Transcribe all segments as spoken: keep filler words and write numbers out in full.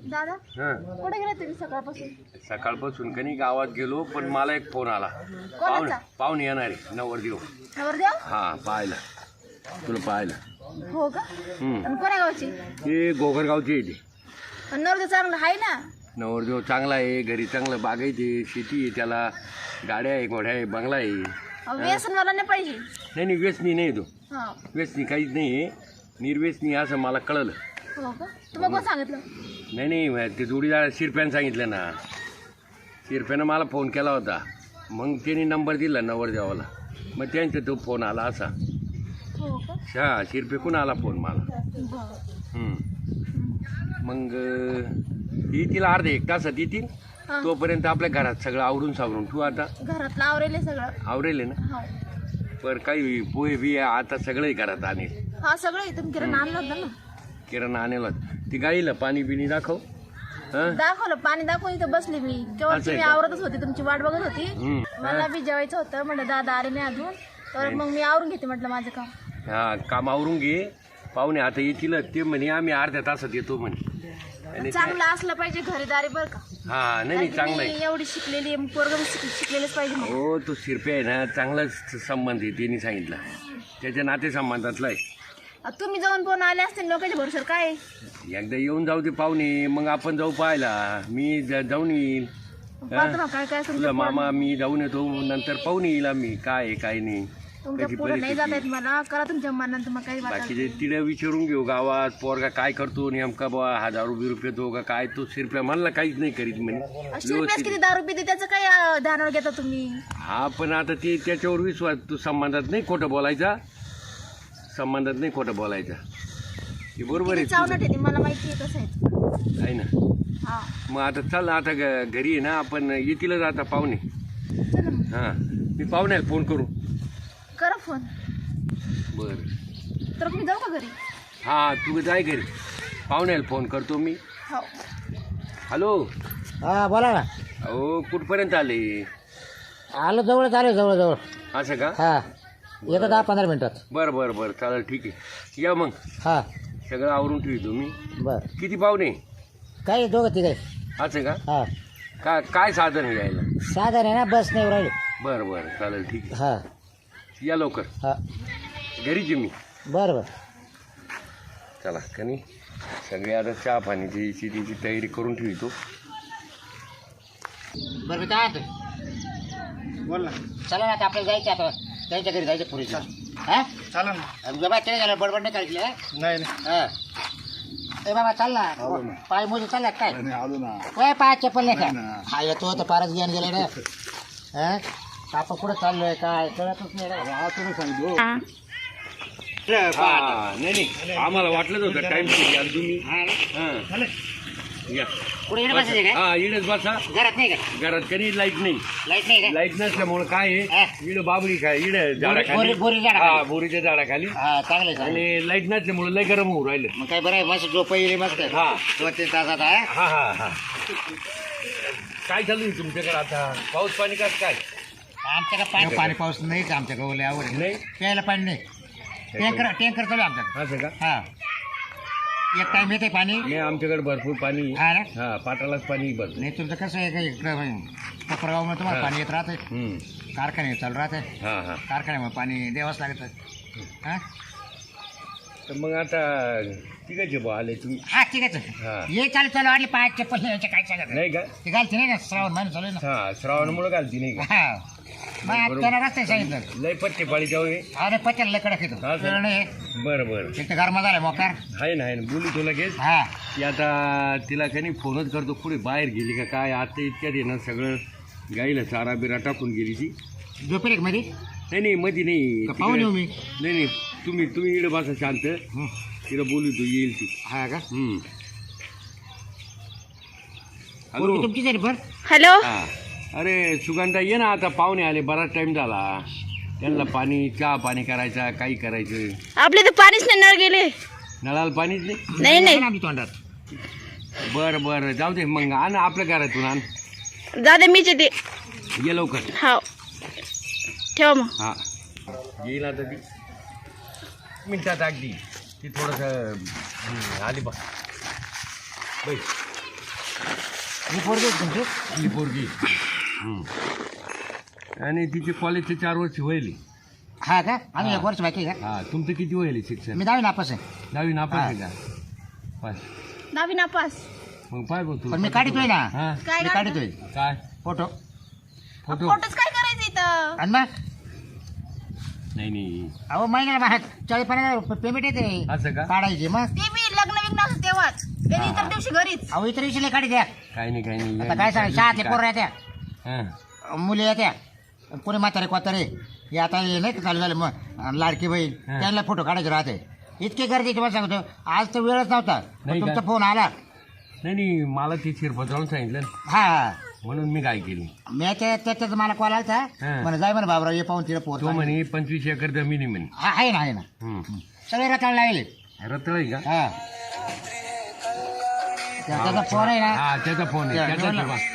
दादा हां कुठे गेले तुम्ही सकाळपासून? सकाळपासून कनी गावात गेलो पण मला एक फोन आला. पाहुणे कोणाचा? पाहुणे येणार आहे नवरदेव. नवरदेव? हां पाहायला तुला पाहायला. हो का? हम्म. आणि कोण्या गावची? ते गोगरगावचे आहे ते. आणि नवरदेव चांगला आहे ना? नवरदेव चांगला आहे, घरी चांगलं बागायते, शेती आहे त्याला, गाड्या आहे, घोड्या आहे, बंगला आहे. अहो, व्यसन मला नाही पाहिजे. नाही नाही व्यसनी नाही तो. हा. व्यसनी काहीच नाही आहे, निर्व्यसनी असं मला कळलं. हो का? तुम्हाला कोण सांगितलं? नाही नाही ते जोडीदार शिरप्यानं सांगितलं ना. शिरप्यानं मला फोन केला होता, मग त्यांनी नंबर दिला नवरदेवाला, मग त्यांचा तो फोन आला असा. हो का? हा शिरपेकून आला फोन मला. बरं. हम्म. मग येतील अर्धा एक तासात येतील. हा. तोपर्यंत आपल्या घरात सगळं आवरून सावरून तू आता घरातलं आवरेल आहे सगळं. आवरेल आहे ना. हो. पर काही पोहे बिये आता सगळंही घरात आणेल. हा सगळं आहे. तुम्ही किराणा आणला होता ना? किराणा आणेल. ती गाईला पाणी बिणी दाखव. हं? दाखवलं पाणी दाखवून इथं बसली मी. केव्हा असं आहे मी का? आवरतच होती, तुमची वाट बघत होती. हम्म. मला बी जेवायचं होतं, म्हटलं दादा आले नाही अजून, तर मग मी आवरून घेते म्हटलं माझं काम. हा काम आवरून घे. पाहुणे आता येतील ते म्हणे आम्ही अर्ध्या तासात येतो म्हणे. आणि ते- चांगलं असलं पाहिजे घरीदारी बरं का? हा नाही नाही चांगलं आहे. मी एवढी शिकलेली आहे, पोरग शिकलेलंच पाहिजे मग. हो तो शिरपे आहे ना चांगलाच संबंध आहे त्यांनी सांगितलं. त्याच्या नाते संबंधातला आहे. आ, तुम्ही जाऊन कोण आले असते लोकांच्या भरोशावर काय आहे? एकदा येऊन जाऊ दे पाहुणे, मग आपण जाऊ पाहायला. मी ज- जाऊन येईल. पाहतो ना काय काय तुझा तुमच्या मामा मी जाऊन येतो, नंतर पाहून येईल आम्ही काय आहे काय नाही. तुमच्या कशी पोरं नाही जात परिस्थिती. आहेत मला, करा तुमच्या मनात मग काही वाटत. बाकीचे तिला विचारून घेऊ गावात पोरगा काय करतो नेमका बा हजार रुपये रुपये तो का काय. तो शिरप्या म्हणला काहीच नाही करीत म्हणे. रुपयात व्यवस्थित. किती दारू पिते त्याचं काय अं, ध्यानावर घेता तुम्ही? हा पण आता ते त्याच्यावर विश्वास. तू संबंधात नाही खोटं बोलायचा. संबंधात नाही खोटं बोलायचा. हे बरोबर आहे किती चावणार तुझं. आहे ते मला माहिती आहे कसं आहे. आहे ना. हा मग आता चल आता ग- घरी आहे ना आपण येतीलच आता पाहुणे. चला मग. हां मी पाहुण्याला फोन करू. करा फोन. बरं तर मी जाऊ का घरी? हां तू जाय घरी. पाहुण्याला फोन करतो मी. हो. हॅलो. हा बोला ना. अहो कुठपर्यंत आले? आलो जवळच आलो जवळ जवळ. असं का? हा येतो दहा पंधरा मिनिटात. बरं बरं बरं चालेल ठीक आहे. या मग हा सगळं आवरून ठेवतो मी. बर किती पाहुणे? काही दोघं तिघे. असं का? हा का काय साधन आहे यायला? साधन आहे ना बस नाही राहिली. बरं बरं चालेल ठीक हा आहे. या लवकर. हा घरीच आहे मी. बरं बरं. चला कनी सगळे आता चहा पाण्याची शेतीची तयारी करून ठेवतो. बरं मी काय म्हणतो? बोल ना. चला ना आता आपल्याला जायचं आता त्यांच्या घरी जायचं पुरीच्या. हा चालेल ना. बाबा ते झालं बडबड नाही करायची. हा? नाही नाही हा ए बाबा चाल ना. आलो ना. पाय मोजून चालला काय? नाही, आलो ना. काय पाय चप्पल नाही नाही का? ना. हा येतो तर पारच घेऊन गेले ना. हा आपण कुठं चाललोय काय कळतच नाही रे. हा तुम्ही सांगितलं. हा. हा नाही नाही आम्हाला वाटलंच होतं टाइम याल तुम्ही. हां या कुठे येणं बसायचं काय? हा इडच बसा. घरात नाही का? घरात कधी लाईट नाही. लाईट नाही का? लाईट नसल्यामुळे काय हा. आहे इड बाबरी काय इड बोरी- झाडाखाली. बोरी झाडाखाली. हा बोरीच्या झाडाखाली. हा चांगलं चांगलं. आणि लाईट नसल्यामुळे लय गरम होऊ राहिलं. मग काय बरं आहे मस्त झोप येईल मस्त. हा. दोन तीन तासात आहे. हा हा हा काय चालू आहे तुमच्याकडे आता? पाऊस पाणी कसं काय? आमच्याकडे पाणी पाणी पाऊस नाहीच आमच्याकडे. ओले आवड नाही प्यायला पाणी नाही. टँकर टँकर चालू आहे आमच्याकडे. असं का? हा एक टाइम येते पाणी. नाही आमच्याकडे भरपूर पाणी आहे. हा ना. हा पाटालाच पाणी भरपूर. नाही तुमचं कसं आहे का इकडं कोपरगावमध्ये तुम्हाला हा. पाणी येत राहते. हम्म. कारखाने चालू राहते. हा हा कारखान्यामुळे पाणी द्यावंच लागतं. हा तर मग आता तिघाचे भाऊ आले तुम्ही. हा ठीक आहे. हा. ये चालू चालू वाटली पाय चप्पल यायचे काय सांगत नाही का? ते घालते नाही का श्रावण महिना चालू आहे ना. हा श्रावणामुळे घालती नाही का? हा मग बरोबर. त्याला रस्ते सांगितलं. लय पट्टे पाळी जाऊ हे. अरे पचायला लय कडक येतो. हा, सर. वेळ नाही. बरं बरं एक तर गरमा झालाय मोकार. आहे ना आहे ना बोलू तो लगेच. हा की आता तिला काही फोनच करतो पुढे बाहेर गेली का काय. आता इतक्यात आहे ना सगळं गाईला चारा बिरा टाकून गेली ती. झोपेल एक मध्ये नाही नाही मध्ये नाही. का पाहून येऊ मी? तिकडे- नाही नाही तुम्ही तुम्ही इकडे बसा शांत. हं. तिला बोलू तू येईल ती. हा का? हम्म. पोरगी हॅलो. तुमची जरी बर. हॅलो. हा अरे सुगंधा ये ना आता पाहुणे आले बराच टाइम झाला. त्यांना पाणी चहा पाणी करायचा काही करायचं. आपले तर पाणीच नाही, नळ गेले. नळाला पाणीच नाही. नाही नाही आमच्या तोंडात. बरं बरं जाऊ दे मग आण आपल्या घरातून आण. दादा मीच येते. ये लवकर. हो ठेवा मग. हा येईल आता ती मिनिटात अगदी. ती थोडंसं आली बा बाई ही पोरगी आहे तुमची? ही पोरगी हं. आणि तिचे कॉलेजचे चार वर्ष व्हायली. हा का आम्ही एक वर्ष बाकी आहे का? हा तुमचं किती व्हायली शिक्षण? मी दहावी नापास आहे. दहावी नापास आहे का? पास. दहावी नापास. मग पाय बघ तू. पण मी काढतोय ना. हा काय मी काढतो? काढतोय काय फोटो. फोटो? फोटोच काय करायचं इथं? आणि मग नाही नाही अहो महिन्याला बाहेर चाळीस पन्नास रुपये पेमेंट येते असं का? काढायची. मग ते बी लग्न विग्न असं तेव्हाच. त्याने इतर दिवशी घरीच. अहो इतर विषयी काढी द्या. काही नाही काही नाही. आता काय सांग शाळेतले पोरं येत्या, हा मुली येत्या, कोणी म्हातारे कोतारे हे आता हे नाही का चालू झालं मग लाडकी बहीण हा. त्यांना फोटो काढायचे राहते. इतके गरजेचे मला सांगतो आज तर वेळच नव्हता नाही पण का? तुमचा फोन आला. नाही नाही मला ते शिरपत्रावून सांगितलं ना, हा म्हणून मी काय केली. मी त्या त्याच्यात मला कॉल आला हा. म्हणे जाय म्हणे बाबराव ये पाहून तिला पोर तो म्हणे पंचवीस एकर जमिनी म्हणे. हा आहे ना आहे ना हं. सगळे रताळ लागले. रत्तळ आहे का? हा त्या- त्याचा फोन आहे ना. हा त्याचा फोन आहे त्या- त्याचा जेवला. ठेवा.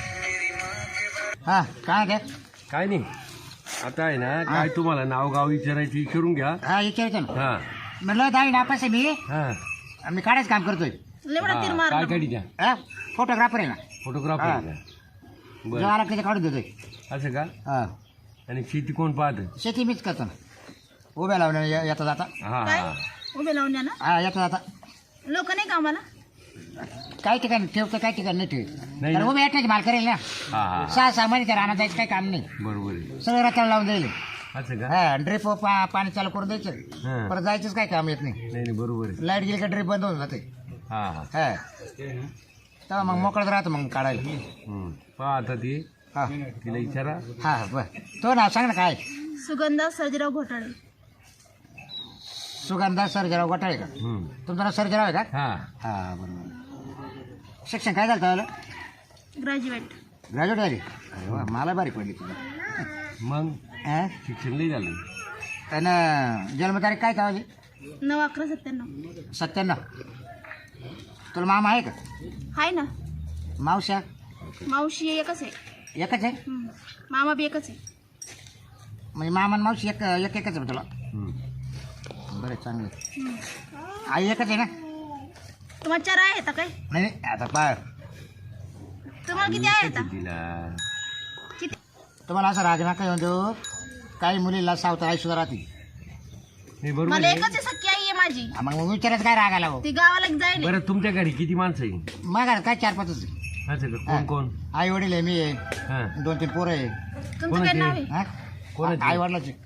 हा काय ते काय नाही आता आहे ना काय तुम्हाला नाव गाव विचारायचं विचारून घ्या. हा विचारतो ना. हा म्हणलं दहावी नापास आहे मी हा आणि मी काढायचं काम करतोय. लेवडा तीर हा, मार. काय काढी द्या. हा फोटोग्राफर आहे ना. फोटोग्राफर हा. आहे का? जो बरं आला त्याच्या काढून देतोय. असं का? हा आणि शेती कोण पाहत? शेती मीच करतो ना. उभ्या लावण्या ये- येता जाता. हा काय? हा उभे लावून द्या ना. हा येता जाता. लोक नाही का आम्हाला? काही ठिकाणी ठेवतं काही ठिकाणी नाही ठेवत. नाही तर ना. उभ्या येण्याची माल करेल ना. हा हा सहा सहा महिने त्या राहण्यात जायचं काही काम नाही. बरोबर आहे. सगळं रताळ लावून जाईल. असं का? हा ड्रिप पाणी चालू करून द्यायचं. हा. परत जायचंच काही काम येत नाही. नाही नाही बरोबर आहे. लाईट गेली का ड्रिप बंद होऊन जाते. हा हा हा तेव्हा मग मोकळत राहतं मग काढायला. हं. पहा आता ती हा तिला विचारा. हा बर तो नाव सांग ना काय. सुगंधा सर्जीराव घोटाळे. सुगंधा सर्जराव घोटाळे का? हं. तुमचं नाव सर्जराव आहे का? हा हा बरोबर. शिक्षण काय झालं त्याला? ग्रॅज्युएट. ग्रॅज्युएट झाली. अरे वा मला बारीक पडली तुला. मग हा? शिक्षण नाही झालं. आणि जन्मतारीख काय काय नऊ अकरा सत्त्याण्णव. सत्त्याण्णव. तुला मामा आहे का? हाय ना. मावश्या मावशी एकच आहे. एकच आहे हम्म. मामा बी एकच आहे. म्हणजे मामा आणि मावशी एक एक एकच आहे तुला. हं. बरं चांगलं. हम्म. आई एकच आहे ना? तुम्हाला चार आहे आता काय? नाही नाही, आता पा तुम्हाला किती आहे आता? तिला किती? तुम्हाला असं राग नका येऊन देऊ. काही मुलीला सावत आई सुद्धा राहते. नाही बरोबर मला आहे. एकच आहे, सख्खी आई आहे माझी. हा, मग मग विचारायचं काय राग आला हो. ती गावाला जाईल. बरं तुमच्या घरी किती माणसं आहे? मग काय चार पाचच आहे. असं का? हा. कोण कोण? आई वडील आहे, मी आहे, हा दोन तीन पोरं आहे. तुमचं काय कोणाची? नाव आहे? हा कोणाची? आई वडिलाचे.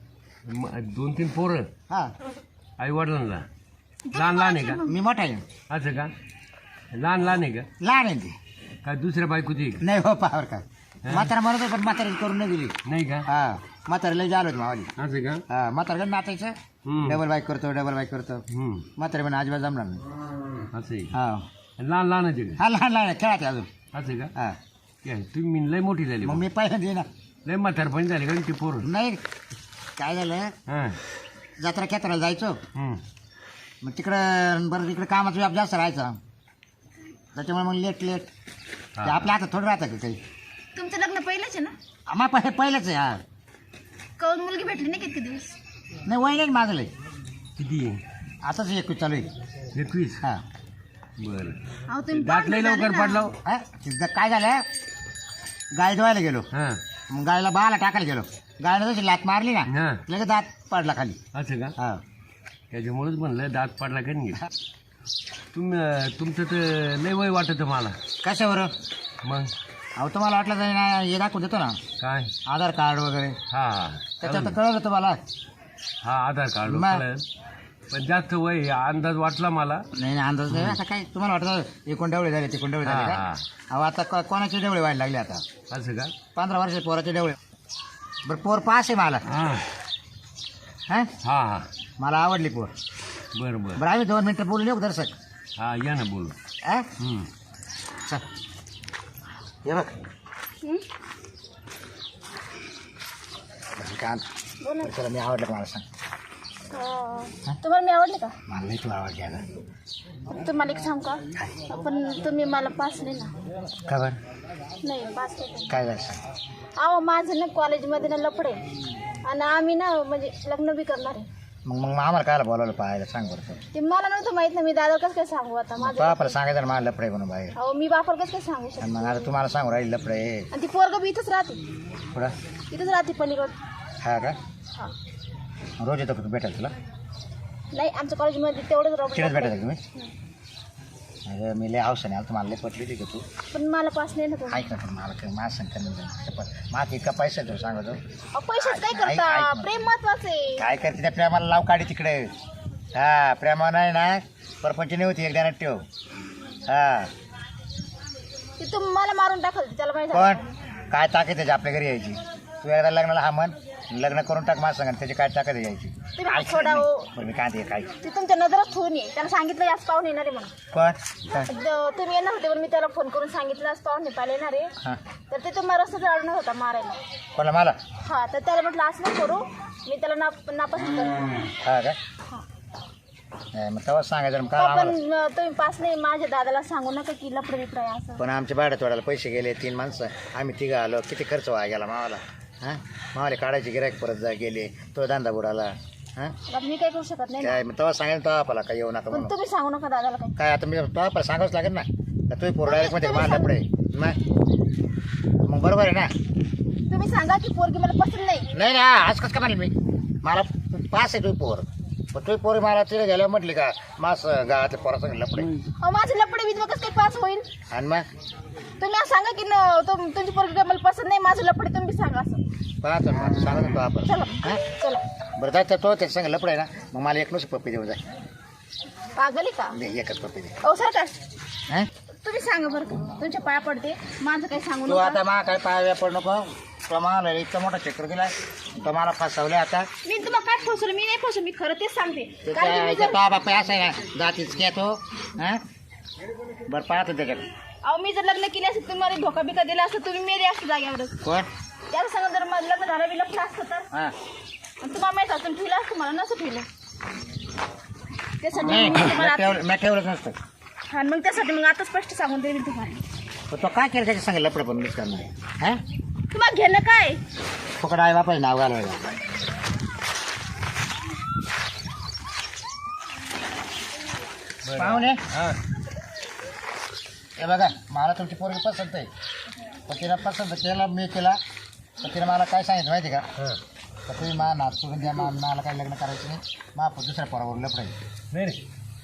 म- दोन तीन पोरं हा आई वडिलांना. लहान लहान आहे का? मी मोठा आहे. असं का? लहान लहान आहे का? लहान आहे ती. काय दुसऱ्या बायकोची आहे का? नाही हो पावर का म्हातारा म्हणत होतं, पण म्हातारी करून नाही दिली. नाही का? हा म्हातारीला झालं होतं मावाली. असं का? हा म्हातारकडे नाचायचं. हं. डबल बाईक करतो डबल बाईक करतो. हं. म्हातारी पण अजिबात जमणार नाही. असं आहे. हा लहान लहान आहे का? हा लहान लहान आहे, खेळाते अजून. असं का? हा काय तुम्ही लय मोठी झाली मग मग. मी पहिल्यांदा ये ना. लय म्हातारपणी झाली का ती पोरं? नाही काय झालं, हां जत्रा खेत्राला जायचो. हं. मग तिकडं बरं तिकडे कामाचा व्याप जास्त राहायचा. त्याच्यामुळे मग लेट लेट ते हा. आपल्या हातात थोडं राहतं का काही. तुमचं लग्न पहिलंच आहे ना? आम्हा पहिले पहिलंच आहे. हा कौन मुलगी भेटली नाही किती दिवस? नाही वय नाही माझं लय. किती आहे? आताच एकवीस चालू आहे. एकवीस? हा बरं. अहो तुम्ही दात लय पाहुणे झाले लवकर ना. पडलो. हा? तिथं काय झालं, गाय धुवायला गेलो. हां मग गायला बाला टाकायला गेलो. गायला जशी लात मारली ना हां लगेच दात पडला खाली. असं का? हा त्याच्यामुळेच म्हणलं दात पडला का नाही. तुम तुमचं तर लय वय वाटतं मला. कशावर? मग अहो तुम्हाला वाटलं जाईल ना हे दाखवून देतो ना काय? आधार कार्ड वगैरे. हा हा त्याच्यात तर कळलं तुम्हाला. हा आधार कार्ड मग? कळलं. पण जास्त वय आहे, अंदाज वाटला मला. नाही नाही, अंदाज नाही. आता काय तुम्हाला वाटतं एकूण डेवळे झाले तिकून डेवळे झाले हा, का? हा. अहो आता को- कोणाचे डेवळे व्हायला लागले आता. असं का? पंधरा वर्ष पोराचे डेवळे. बरं पोर पास आहे मला. हा हा हा हा मला आवडली पोर. बरं बरं. बरं आम्ही दोन मिनटं बोलून येऊ दर्शक. हा या ना बोलू. हा हं. चल ये बघ हं? कान बोला. चला मी आवडलं का मला सांग. अं, तुम्हाला मी आवडले का? मला नाही तू आवडली आता. तुम्हाला एक सांग का? पण तुम्ही मला पास नाही ना. का बरं नाही पास नाही. काय झालं सांग. अहो माझं ना कॉलेजमध्ये ना लफडे आणि आम्ही ना म्हणजे लग्न बी करणार आहे. मग मग आम्हाला कायला बोलावलं पाहायला सांग बरं तू. ते मला नव्हतं माहित ना, मी दादाला कसं काय सांगू आता तो माझं. आपल्याला सांगायचं ना मला लफडे म्हणून बाहेर. हो मी बापाला कसं काय सांगू आणि शकते. मग आता तुम्हाला सांगू राहील लफडे आणि ती पोरग बी इथंच राहते, पुढं इथंच राहते पलीकड. हा का हा रोज येतो का तू भेटायला तुला नाही आमच्या कॉलेजमध्ये तेवढंच तिकडेच रॉबर्ट. भेटायचं तुम्ही. अरे मी लय हौस नाही तुम्हाला लय पटली होती का तू. पण मला पास नाही ना तो. ऐक ना पण मला काही माझं सांगता नाही पण माझा इतका पैसा आहे तुला सांगतो. अहो, पैशाच काय ऐक- ऐक करता, ना. प्रेम महत्वाचं आहे. काय करते त्या प्रेमाला लाव काढी तिकडे. हा प्रेमा नाही ना परपंच नाही होती एकदा ठेव. हा ती तू मला मारून टाकल त्याला माहिती पण आहे. काय ताकद त्याची आपल्या घरी यायची. तू एकदा लग्नाला हा म्हण लग्न करून टाक माझं सांग त्याची काय ताकद यायची. तुम्ही हात सोडा हो. बरं मी काय ते काय ती तुमच्या नजरात ठेवून ये. त्याला सांगितलं याच पाहून येणार आहे म्हणून. पण काय द- तुम्ही येणार होते पण मी त्याला फोन करून सांगितलं आज पाहून येता येणार आहे. हां तर ते तुम्हाला रस्त्यात अडणार होता मारायला. कोणाला मला हा तर त्याला म्हटलं असं नको करू, मी त्याला नाप नापसंत करते. हा का हा. नाही, मग तेव्हा सांगायचं मग काय पण आम्हाला. अं, तुम्ही पास नाही माझ्या दादाला सांगू नका की लपड बिपड आहे असं. पण आमच्या भाड्यात वाढायला पैसे गेले तीन माणसं आम्ही तिघं आलो किती खर्च व्हायला गेला मावाला. हां मावाले काढायचे गिरायक परत जा गेले तो धंदा बुडाला. हां आता मी काय करू शकत नाही ना. काय मग तेव्हा सांगेल तो आपला काय येऊ नका पण म्हणून. तुम्ही सांगू नका दादाला काय. काय आता मी तो आपल्याला सांगावंच लागेल ना का तुम्ही पोर डायरेक्ट मध्ये माझ्या पुढे मग मग बरोबर आहे ना. तुम्ही सांगा की पोरगी मला पसंत नाही. नाही ना आज कसं काय म्हणेल मी मला पास आहे तुम्ही पोर पण तुम्ही पोरी मला तिथे गेल्यावर म्हटली का मास गावातल्या पोरा सांगितलं लपडे. अहो माझं लपडे विधवा कसं काय पास होईल. आणि मग तुम्ही असं सांगा की न- तुम- तुमची पोरगी काय मला पसंत नाही, माझं लपडे तुम्ही सांगा असं. पाहतो ना सांगा तो आपण. चला हां चला. बरं जायचं तो त्याच्या सांग लपडे ना मग मला एक नुसतं पप्पी देऊ जाय. पागल आहे का. दे एकच पप्पी दे. अहो सरकार हां तुम्ही सांगा बरं का, तुमच्या पाया पडते माझं काही सांगू तू नका. आता मा काय पाया पड नको तो मला इतका मोठा चक्कर दिलाय तो मला फसवले आता. मी तुम्हाला काय फसवलं, मी नाही फसवलं, मी खरं तेच सांगते. कारण की त्याच्या मी तो जर बापा असं आहे ना जातीच घ्या तो. हां बरं पाहतो त्याच्याकडे अहो मी जर लग्न केले असते तुम्ही मला धोका बिका दिला असतं, तुम्ही मेले असते जाग्यावरच. कोण त्याला सांगा जर माझं लग्न झालं मी लग्न असतं तर हां आणि तुम्हाला माहित असतं ठेवलं असतं, मला नसं ठेवलं. त्यासाठी नाही मी तुम्हाला मी आता- ठेवलं मी ठेवलंच नसतं. हा मग त्यासाठी मग आता स्पष्ट सांगून देईल तुम्हाला. पण तो काय केलं त्याच्या सांगेल लपडं पण मिस करणार. हां तुम्हाला घेणं काय. फुकट आहे बापाचं नाव घालवायला. पाहुणे हां हे बघा मला तुमची पोरगी पसंत आहे पण तिला पसंत केला मी केला तर तिने मला काय सांगितलं माहिती का हां तर तुम्ही मा नाच सोडून द्या मा मला काही लग्न करायचं नाही मा दुसऱ्या पोरावर लपडं आहे. नाही रे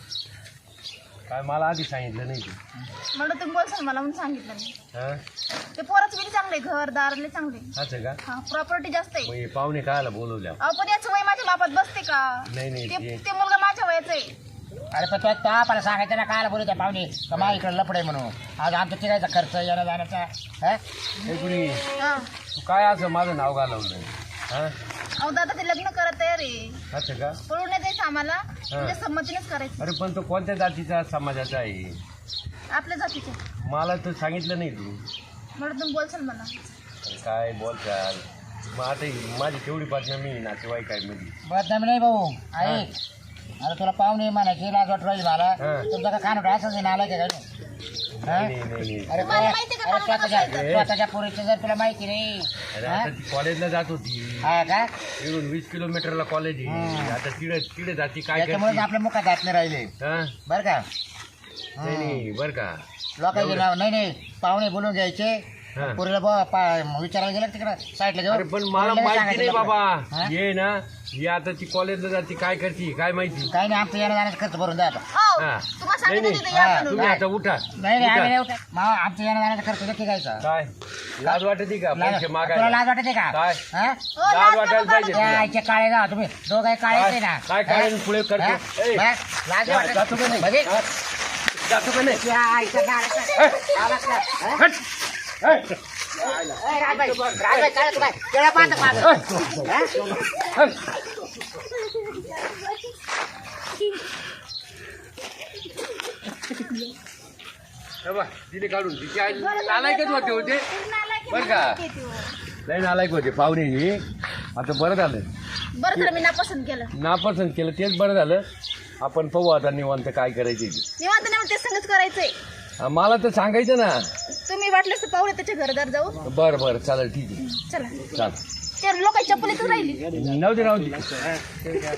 काय मला आधी सांगितलं नाही तू. म्हणून तुम्ही बोलसाल मला म्हणून सांगितलं नाही. हां ते पोराचं बिल चांगले, घर दारले चांगले. असं का हा प्रॉपर्टी जास्त आहे. मग हे पाहुणे कायला बोलवल्या. अहो पण याचं वय माझ्या बापात बसते का. नाही नाही ते ते- ते मुलगा माझ्या वयाचा आहे. अरे पण तो तो आपल्याला सांगायचं ना कायला बोलू त्या पाहुणे का मा इकडे लपडे म्हणून आज आमच्या तिघायचा खर्च येण्या जाण्याचा. हां हे कुणी हा तू काय असं माझं नाव घालवलं. हां अहो दादा ते लग्न करत तयार आहे. असं का. पळून नाही द्यायचं आम्हाला, तुमच्या संमतीनेच करायचं. अरे पण तो कोणत्या जातीचा समाजाचा आहे आपल्या जातीचे मला तर सांगितलं नाही तू. म्हणून तुम्ही बोलसाल मला. अरे काय बोलचाल मग आता ही माझी तेवढी बदनामी नातेवाईक आहे मध्ये. बदनामी नाही भाऊ ऐक अरे तुला पाहुणे म्हणायची लाज वाटू राहिली मला. हां. तुमचा का खान असंच नाला काय नाही नाही नाही नाही. अरे तुम्हाला माहिती का अरे पाहुणे स्वतःच्या कसं आहे? स्वतःच्या पोरीचं जर तुला माहिती नाही. अरे हां? आता ती कॉलेजला जात होती हा का इकडून वीस किलोमीटरला कॉलेज आहे. हं. आता तिकडे तिकडे जाती काय त्याच्यामुळे करते. आपल्या मुखात हात नाही राहिले हां? बरं का. नाही नाही बरं का. लोकांचे एवढं. नाव नाही नाही पाहुणे बोलून घ्यायचे हां. पोरीला बा पा- विचारायला गेलं तिकडे साईडला अरे घेऊन पण मला पोरीला माहिती सांगायचं नाही लपडं. बाबा हां? ये ना ही आता ती कॉलेजला जाती काय करते काय माहिती. काही नाही आमचं येण्या जाण्याचा खर्च भरून द्या आता. हो हां. तुम्हाला सांगितलं नाही, तिथे नाही. या हां, म्हणून. तुम्ही आता उठा नाही नाही आम्ही उठा. नाही उठा. मा- आमचं येण्या जाण्याचा खर्च नक्की घ्यायचा. काय लाज वाटते का लाज- पैसे तुला मागायला. लाज वाटते का काय? हां? हो, लाज लाज वाटायला नका पाहिजे. काढू. त्या आईचे काळे जा तुम्ही दोघं काळे काय- आहे ना. काय काळे आणि पुढे करतो? हां? ए, बस, लाज जा- वाटते. जातो का नाही? म्हणजे हां? जातो का नाही. त्या आईच्या काळ्याचं- आवाज का? हां? हट. ए, ए, राजबाई, राजबाई, काय तू काय? केळं पाहतं माझं. हां? हट. हे बघ, तिने काढून तिची आई नालायकच होते होते नालायक आहे, बरं का? नालायक आहे ते हो. लय नालायक होते पाहुणे ही. आता बरं झालं बरं झालं मी नापसंत केलं. नापसंत केलं तेच बरं झालं. आपण पाहू आता निवांत काय करायचे ते. निवांत नाही ते संगच करायचंय. हा, मला तर सांगायचं ना. तुम्ही वाटलं तर पाहुणे त्याच्या घरदार जाऊ. बरं बरं चालेल ठीक आहे चला चाल ते लोकांची चप्पल इथं राहिली. नव्हती नव्हती